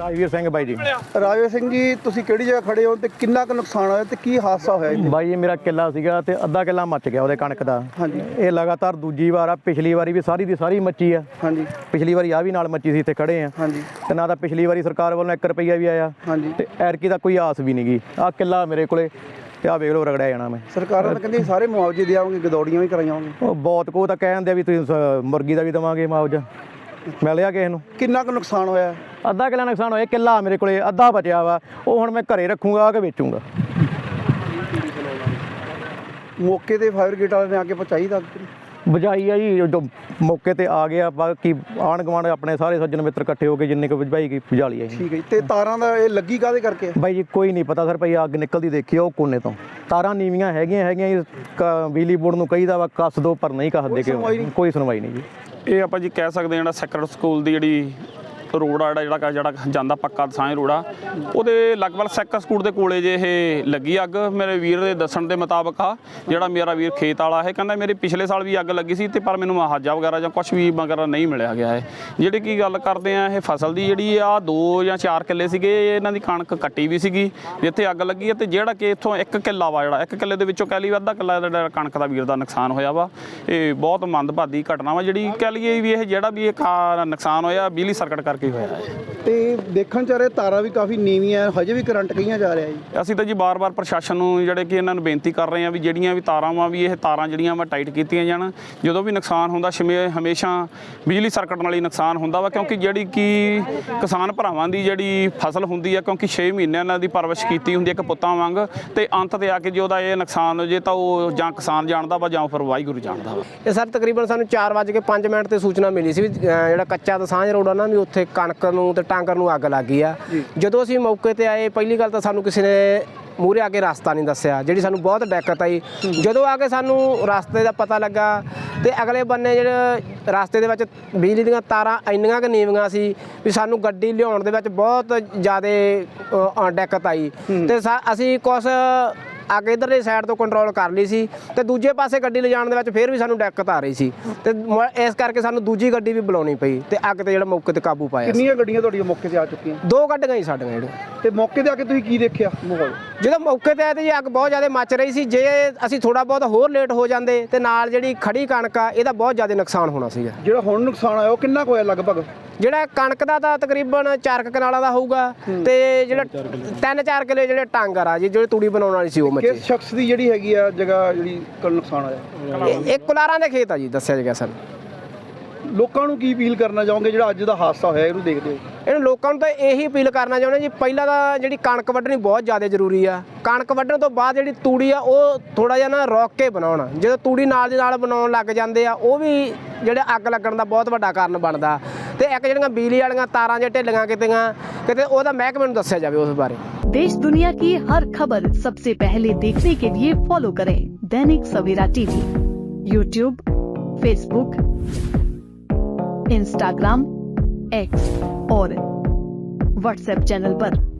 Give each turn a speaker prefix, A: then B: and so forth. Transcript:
A: ਰਾਜਵੀਰ ਸਿੰਘ ਬਾਈ ਜੀ।
B: ਰਾਜਵੀਰ ਸਿੰਘ ਜੀ, ਤੁਸੀਂ ਕਿਹੜੀ ਜਗ੍ਹਾ ਖੜੇ ਹੋ ਤੇ ਕਿੰਨਾ ਕੁ ਨੁਕਸਾਨ ਹੋਇਆ ਤੇ ਕੀ ਹਾਦਸਾ ਹੋਇਆ ਜੀ?
A: ਬਾਈ ਇਹ ਮੇਰਾ ਕਿੱਲਾ ਸੀਗਾ ਤੇ ਅੱਧਾ ਕਿੱਲਾ ਮੱਚ ਗਿਆ ਉਹਦੇ ਕਣਕ ਦਾ।
B: ਹਾਂਜੀ।
A: ਇਹ ਲਗਾਤਾਰ ਦੂਜੀ ਵਾਰ ਆ, ਪਿਛਲੀ ਵਾਰੀ ਵੀ ਸਾਰੀ ਦੀ ਸਾਰੀ ਮੱਚੀ ਆ।
B: ਹਾਂਜੀ।
A: ਪਿਛਲੀ ਵਾਰੀ ਆ ਵੀ ਨਾਲ ਮੱਚੀ ਸੀ, ਇੱਥੇ ਖੜੇ ਆ।
B: ਹਾਂਜੀ।
A: ਤੇ ਨਾ ਤਾਂ ਪਿਛਲੀ ਵਾਰੀ ਸਰਕਾਰ ਵੱਲੋਂ 1 ਰੁਪਈਆ ਵੀ ਆਇਆ।
B: ਹਾਂਜੀ।
A: ਤੇ ਐਰਕੀ ਦਾ ਕੋਈ ਆਸ ਵੀ ਨਹੀਂ ਗਈ। ਆ ਕਿੱਲਾ ਮੇਰੇ ਕੋਲੇ ਤੇ ਆ ਵੇਖ ਲਓ ਰਗੜਿਆ ਜਾਣਾ ਮੈਂ।
B: ਸਰਕਾਰਾਂ ਤਾਂ ਕਹਿੰਦੀ ਸਾਰੇ ਮੁਆਵਜ਼ੇ ਦਿਆਂਗੇ, ਗਦੌੜੀਆਂ ਵੀ ਕਰਾਈਆਂਗੇ।
A: ਉਹ ਬਹੁਤ ਕੋ ਤਾਂ ਕਹਿੰਦੇ ਆ ਵੀ ਤੁਸੀਂ ਮੁਰਗੀ ਦਾ ਵੀ ਦੇਵਾਂਗੇ ਮੁਆਵਜ਼ਾ। ਮਿਲਿਆ ਕਿਸੇ ਨੂੰ?
B: ਕਿੰਨਾ ਕੁ ਨੁਕਸਾਨ ਹੋਇਆ?
A: ਅੱਧਾ ਕਿੱਲਾ ਨੁਕਸਾਨ ਹੋਇਆ। ਕਿੱਲਾ ਮੇਰੇ ਕੋਲੇ ਅੱਧਾ ਬਚਿਆ ਵਾ, ਉਹ ਹੁਣ ਮੈਂ ਘਰੇ ਰੱਖੂੰਗਾ ਕਿ ਵੇਚੂੰਗਾ।
B: ਮੌਕੇ ਤੇ ਫਾਇਰ ਬ੍ਰਿਗੇਡ ਵਾਲਿਆਂ ਨੇ ਆ ਕੇ ਪਹੁੰਚਾਈ ਤਾਂ
A: ਬੁਝਾਈ ਆ ਜੀ, ਜੋ ਮੌਕੇ ਤੇ ਆ ਗਿਆ। ਬਾਕੀ ਆਂਢ ਗੁਆਂਢ ਆਪਣੇ ਸਾਰੇ ਸੱਜਣ ਮਿੱਤਰ ਇਕੱਠੇ ਹੋ ਕੇ ਜਿੰਨੇ ਕੁ ਬੁਝਾਈ ਗਈ ਬੁਝਾ ਲਈ ਆ ਜੀ।
B: ਠੀਕ ਹੈ ਜੀ। ਤੇ ਤਾਰਾਂ ਦਾ ਇਹ ਲੱਗੀ ਕਾਹਦੇ ਕਰਕੇ?
A: ਬਾਈ ਜੀ ਕੋਈ ਨਹੀਂ ਪਤਾ ਸਰ, ਭਾਈ ਅੱਗ ਨਿਕਲਦੀ ਦੇਖੀ ਉਹ ਕੋਨੇ ਤੋਂ। ਤਾਰਾਂ ਨੀਵੀਆਂ ਹੈਗੀਆਂ ਜੀ, ਬਿਜਲੀ ਬੋਰਡ ਨੂੰ ਕਹੀਦਾ ਵਾ ਕੱਸ ਦੋ, ਪਰ ਨਹੀਂ ਕੱਸਦੇ ਕਿ ਕੋਈ ਸੁਣਵਾਈ ਨਹੀਂ ਜੀ।
C: ਇਹ ਆਪਾਂ ਜੀ ਕਹਿ ਸਕਦੇ ਜਿਹੜਾ ਸੈਕਰਡ ਸਕੂਲ ਦੀ ਜਿਹੜੀ ਰੋਡ ਆ ਜਿਹੜਾ ਜਾਂਦਾ ਪੱਕਾ ਦਸਾਂਝ ਰੋਡ ਆ, ਉਹਦੇ ਲਗਭਗ ਸੈਕਰਡ ਸਕੂਲ ਦੇ ਕੋਲੇ ਜੇ ਇਹ ਲੱਗੀ ਅੱਗ। ਮੇਰੇ ਵੀਰ ਦੇ ਦੱਸਣ ਦੇ ਮੁਤਾਬਕ ਆ, ਜਿਹੜਾ ਮੇਰਾ ਵੀਰ ਖੇਤ ਵਾਲਾ ਹੈ, ਕਹਿੰਦਾ ਮੇਰੇ ਪਿਛਲੇ ਸਾਲ ਵੀ ਅੱਗ ਲੱਗੀ ਸੀ ਤੇ ਪਰ ਮੈਨੂੰ ਮੁਆਵਜ਼ਾ ਵਗੈਰਾ ਜਾਂ ਕੁਝ ਵੀ ਵਗੈਰਾ ਨਹੀਂ ਮਿਲਿਆ ਗਿਆ ਹੈ। ਜਿਹੜੀ ਕੀ ਗੱਲ ਕਰਦੇ ਆ ਇਹ ਫਸਲ ਦੀ, ਜਿਹੜੀ ਆ 2 ਜਾਂ 4 ਕਿੱਲੇ ਸੀਗੇ, ਇਹਨਾਂ ਦੀ ਕਣਕ ਕੱਟੀ ਵੀ ਸੀਗੀ ਜਿੱਥੇ ਅੱਗ ਲੱਗੀ ਹੈ। ਤੇ ਜਿਹੜਾ ਕਿ ਇੱਥੋਂ 1 ਕਿੱਲਾ ਵਾ, ਜਿਹੜਾ 1 ਕਿੱਲੇ ਦੇ ਵਿੱਚੋਂ ਕਹਿ ਲਈ ਅੱਧਾ ਕਿੱਲਾ ਜਿਹੜਾ ਕਣਕ ਦਾ ਵੀਰ ਦਾ ਨੁਕਸਾਨ ਹੋਇਆ ਵਾ। ਇਹ ਬਹੁਤ ਮੰਦਭਾਗੀ ਘਟਨਾ ਵਾ, ਜਿਹੜੀ ਕਹਿ ਲਈਏ ਵੀ ਇਹ ਜਿਹੜਾ ਵੀ ਇਹ ਨੁਕਸਾਨ ਹੋਇਆ ਬਿਜਲੀ ਸਰਕਟ ਕਰਕੇ ਹੋਇਆ ਹੈ।
B: ਤੇ ਦੇਖਣ ਚ ਆ ਰਿਹਾ ਤਾਰਾਂ ਵੀ ਕਾਫੀ ਨੀਵੀਆਂ, ਹਜੇ ਵੀ ਕਰੰਟ ਕਈਆਂ ਜਾ ਰਿਹਾ ਜੀ।
C: ਅਸੀਂ ਤਾਂ ਜੀ ਬਾਰ-ਬਾਰ ਪ੍ਰਸ਼ਾਸਨ ਨੂੰ ਜਿਹੜੇ ਕਿ ਇਹਨਾਂ ਨੂੰ ਬੇਨਤੀ ਕਰ ਰਹੇ ਹਾਂ ਵੀ ਜਿਹੜੀਆਂ ਵੀ ਤਾਰਾਂ ਵਾ ਵੀ ਇਹ ਤਾਰਾਂ ਜਿਹੜੀਆਂ ਵਾ ਟਾਈਟ ਕੀਤੀਆਂ ਜਾਣ। ਜਦੋਂ ਵੀ ਨੁਕਸਾਨ ਹੁੰਦਾ ਹਮੇਸ਼ਾ ਬਿਜਲੀ ਸਰਕਟ ਨਾਲ ਹੀ ਨੁਕਸਾਨ ਹੁੰਦਾ ਵਾ, ਕਿਉਂਕਿ ਜਿਹੜੀ ਕਿ ਕਿਸਾਨ ਭਰਾਵਾਂ ਦੀ ਜਿਹੜੀ ਫਸਲ ਹੁੰਦੀ ਆ, ਕਿਉਂਕਿ 6 ਮਹੀਨੇ ਇਹਨਾਂ ਦੀ ਪਰਵਰਿਸ਼ ਕੀਤੀ ਹੁੰਦੀ ਹੈ ਇੱਕ ਪੁੱਤਾਂ ਵਾਂਗ, ਤੇ ਅੰਤ ਤੇ ਆ ਕੇ ਜੇ ਉਹਦਾ ਇਹ ਨੁਕਸਾਨ ਹੋ ਜੇ ਤਾਂ ਉਹ ਜਾਂ ਕਿਸਾਨ ਜਾਣਦਾ ਵਾ ਜਾਂ ਫਿਰ ਵਾਹਿਗੁਰੂ ਜਾਣਦਾ ਵਾ।
D: ਇਹ ਸਰ ਤਕਰੀਬਨ ਸਾਨੂੰ 4:05 ਤੇ ਸੂਚਨਾ ਮਿਲੀ ਸੀ ਵੀ ਜਿਹੜਾ ਕੱਚਾ ਦਸਾਂਝ ਰੋਡ ਆ ਨਾ ਵੀ ਉੱਥੇ ਕਣਕ ਨੂੰ ਤੇ ਟਾਂਗਰ ਨੂੰ ਅੱਗ ਲੱਗ ਗਈ ਆ। ਜਦੋਂ ਅਸੀਂ ਮੌਕੇ ਤੇ ਆਏ, ਪਹਿਲੀ ਗੱਲ ਤਾਂ ਸਾਨੂੰ ਕਿਸੇ ਨੇ ਮੂਹਰੇ ਆ ਕੇ ਰਸਤਾ ਨਹੀਂ ਦੱਸਿਆ, ਜਿਹੜੀ ਸਾਨੂੰ ਬਹੁਤ ਦਿੱਕਤ ਆਈ। ਜਦੋਂ ਆ ਕੇ ਸਾਨੂੰ ਰਸਤੇ ਦਾ ਪਤਾ ਲੱਗਾ ਤੇ ਅਗਲੇ ਬੰਨੇ ਜਿਹੜੇ ਰਸਤੇ ਦੇ ਵਿੱਚ ਬਿਜਲੀ ਦੀਆਂ ਤਾਰਾਂ ਇੰਨੀਆਂ ਕੁ ਨੀਵੀਆਂ ਸੀ ਵੀ ਸਾਨੂੰ ਗੱਡੀ ਲਿਆਉਣ ਦੇ ਵਿੱਚ ਬਹੁਤ ਜ਼ਿਆਦਾ ਦਿੱਕਤ ਆਈ। ਤੇ ਅਸੀਂ ਕੁਛ ਅੱਗੇ ਇੱਧਰਲੀ ਸਾਈਡ ਤੋਂ ਕੰਟਰੋਲ ਕਰ ਲਈ ਸੀ ਤੇ ਦੂਜੇ ਪਾਸੇ ਗੱਡੀ ਲਿਜਾਣ ਦੇ ਵਿੱਚ ਫਿਰ ਵੀ ਸਾਨੂੰ ਦਿੱਕਤ ਆ ਰਹੀ ਸੀ ਤੇ ਇਸ ਕਰਕੇ ਸਾਨੂੰ ਦੂਜੀ ਗੱਡੀ ਵੀ ਬੁਲਾਉਣੀ ਪਈ ਤੇ ਅੱਗ ਤੇ ਜਿਹੜਾ ਮੌਕੇ ਤੇ ਕਾਬੂ ਪਾਇਆ।
B: ਕਿੰਨੀਆਂ ਗੱਡੀਆਂ ਤੁਹਾਡੀਆਂ ਮੌਕੇ ਤੇ ਆ ਚੁੱਕੀਆਂ?
D: 2 ਗੱਡੀਆਂ ਹੀ ਸਾਡੀਆਂ ਜਿਹੜੀਆਂ।
B: ਤੇ ਮੌਕੇ ਤੇ ਆ ਕੇ ਤੁਸੀਂ ਕੀ ਦੇਖਿਆ ਮਾਹੌਲ?
D: ਜਦੋਂ ਮੌਕੇ ਤੇ ਆਏ ਤੇ ਜੀ ਅੱਗ ਬਹੁਤ ਜ਼ਿਆਦਾ ਮੱਚ ਰਹੀ ਸੀ। ਜੇ ਅਸੀਂ ਥੋੜਾ ਬਹੁਤ ਹੋਰ ਲੇਟ ਹੋ ਜਾਂਦੇ ਤੇ ਨਾਲ ਜਿਹੜੀ ਖੜੀ ਕਣਕ ਆ ਇਹਦਾ ਬਹੁਤ ਜ਼ਿਆਦਾ ਨੁਕਸਾਨ ਹੋਣਾ ਸੀਗਾ।
B: ਜਿਹੜਾ ਹੁਣ ਨੁਕਸਾਨ ਆਇਆ ਉਹ ਕਿੰਨਾ ਕੁ ਹੋਇਆ ਲਗਭਗ?
D: ਜਿਹੜਾ ਕਣਕ ਦਾ ਤਾਂ ਤਕਰੀਬਨ 4 ਕਨਾਲਾਂ ਦਾ ਹੋਊਗਾ ਤੇ ਜਿਹੜਾ 3-4 ਕਿੱਲੇ ਜਿਹੜੇ ਟਾਂਗਰ ਆ ਜੀ ਜਿਹੜੇ ਤੂੜੀ ਬਣਾਉਣ ਵਾਲੀ ਸੀ ਉਹ ਮੱਚੇ।
B: ਕਿਸ ਸ਼ਖਸ ਦੀ ਜਿਹੜੀ ਹੈਗੀ ਆ ਜਗ੍ਹਾ ਜਿਹੜੀ ਨੁਕਸਾਨ ਹੋਇਆ?
D: ਇਹ ਕੁਲਾਰਾਂ ਦੇ ਖੇਤ ਆ ਜੀ, ਦੱਸਿਆ ਗਿਆ ਸਾਨੂੰ।
B: ਲੋਕਾਂ ਨੂੰ ਕੀ ਅਪੀਲ ਕਰਨਾ ਚਾਹੋਗੇ ਜਿਹੜਾ ਅੱਜ ਦਾ ਹਾਦਸਾ ਹੋਇਆ ਇਹਨੂੰ ਦੇਖਦੇ ਹੋ?
D: ਇਹਨਾਂ ਲੋਕਾਂ ਨੂੰ ਤਾਂ ਇਹੀ ਅਪੀਲ ਕਰਨਾ ਚਾਹੁੰਦੇ ਜੀ, ਪਹਿਲਾਂ ਤਾਂ ਜਿਹੜੀ ਕਣਕ ਵੱਢਣੀ ਬਹੁਤ ਜ਼ਿਆਦਾ ਜ਼ਰੂਰੀ ਆ। ਕਣਕ ਵੱਢਣ ਤੋਂ ਬਾਅਦ ਜਿਹੜੀ ਤੂੜੀ ਆ ਉਹ ਥੋੜਾ ਜਿਹਾ ਨਾ ਰੋਕ ਕੇ ਬਣਾਉਣ। ਜਦੋਂ ਤੂੜੀ ਨਾਲ ਦੀ ਨਾਲ ਬਣਾਉਣ ਲੱਗ ਜਾਂਦੇ ਆ ਉਹ ਵੀ ਜਿਹੜੇ ਅੱਗ ਲੱਗਣ ਦਾ ਬਹੁਤ ਵੱਡਾ ਕਾਰਨ ਬਣਦਾ। ਤੇ ਇੱਕ ਜਿਹੜੀਆਂ ਬਿਜਲੀ ਵਾਲੀਆਂ ਤਾਰਾਂ ਜੇ ਢਿੱਲੀਆਂ ਕਿਤੇ ਉਹਦਾ ਮਹਿਕਮੇ ਨੂੰ ਦੱਸਿਆ ਜਾਵੇ ਉਸ ਬਾਰੇ।
E: देश दुनिया की हर खबर सबसे पहले देखने के लिए फॉलो करें Dainik Savera TV, YouTube, Facebook, Instagram, X और व्हाट्सएप चैनल पर।